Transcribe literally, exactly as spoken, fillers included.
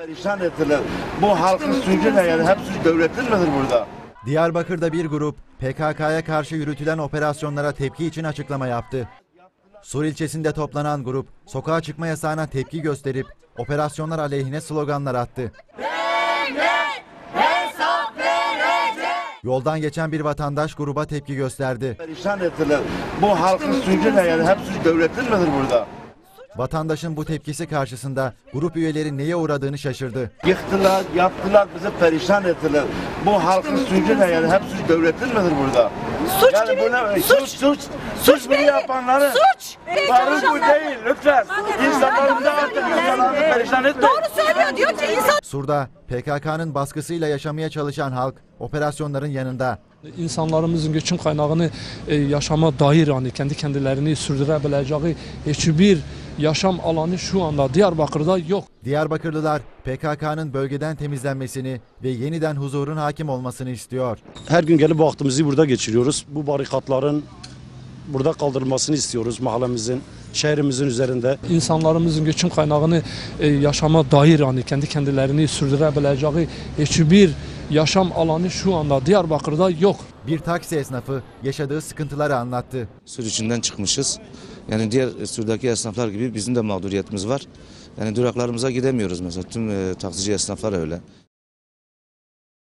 Perişan ettiler. Bu halkın suçu ne yani? Hepsi devletin midir burada? Diyarbakır'da bir grup P K K'ya karşı yürütülen operasyonlara tepki için açıklama yaptı. Sur ilçesinde toplanan grup sokağa çıkma yasağına tepki gösterip operasyonlar aleyhine sloganlar attı. Yoldan geçen bir vatandaş gruba tepki gösterdi. Perişan ettiler. Bu halkın suçu ne yani? Hepsi devletin midir burada? Vatandaşın bu tepkisi karşısında grup üyeleri neye uğradığını şaşırdı. Yıktılar, yaptılar, bizi perişan ettiler. Bu halkın suçu ne yani? Hepsi devletin midir burada? Suç yani gibi. Bu ne? Suç. Suç, suç. Suç Suç bunu belli. yapanları. Suç. Barın bu değil, lütfen. İnsanlarımızı artık insanlarımızı perişan etmeyin. Doğru söylüyor diyor ki insan. Sur'da P K K'nın baskısıyla yaşamaya çalışan halk operasyonların yanında. İnsanlarımızın göçün kaynağını e, yaşama dair yani kendi kendilerini sürdürebileceği hiçbir yaşam alanı şu anda Diyarbakır'da yok. Diyarbakırlılar P K K'nın bölgeden temizlenmesini ve yeniden huzurun hakim olmasını istiyor. Her gün gelip vaktimizi burada geçiriyoruz. Bu barikatların burada kaldırılmasını istiyoruz mahallemizin, şehrimizin üzerinde. İnsanlarımızın göçün kaynağını e, yaşama dair yani kendi kendilerini sürdürebileceği hiçbir yaşam alanı şu anda Diyarbakır'da yok. Bir taksi esnafı yaşadığı sıkıntıları anlattı. Sur içinden çıkmışız. Yani diğer Sur'daki esnaflar gibi bizim de mağduriyetimiz var. Yani duraklarımıza gidemiyoruz mesela. Tüm e, taksici esnaflar öyle.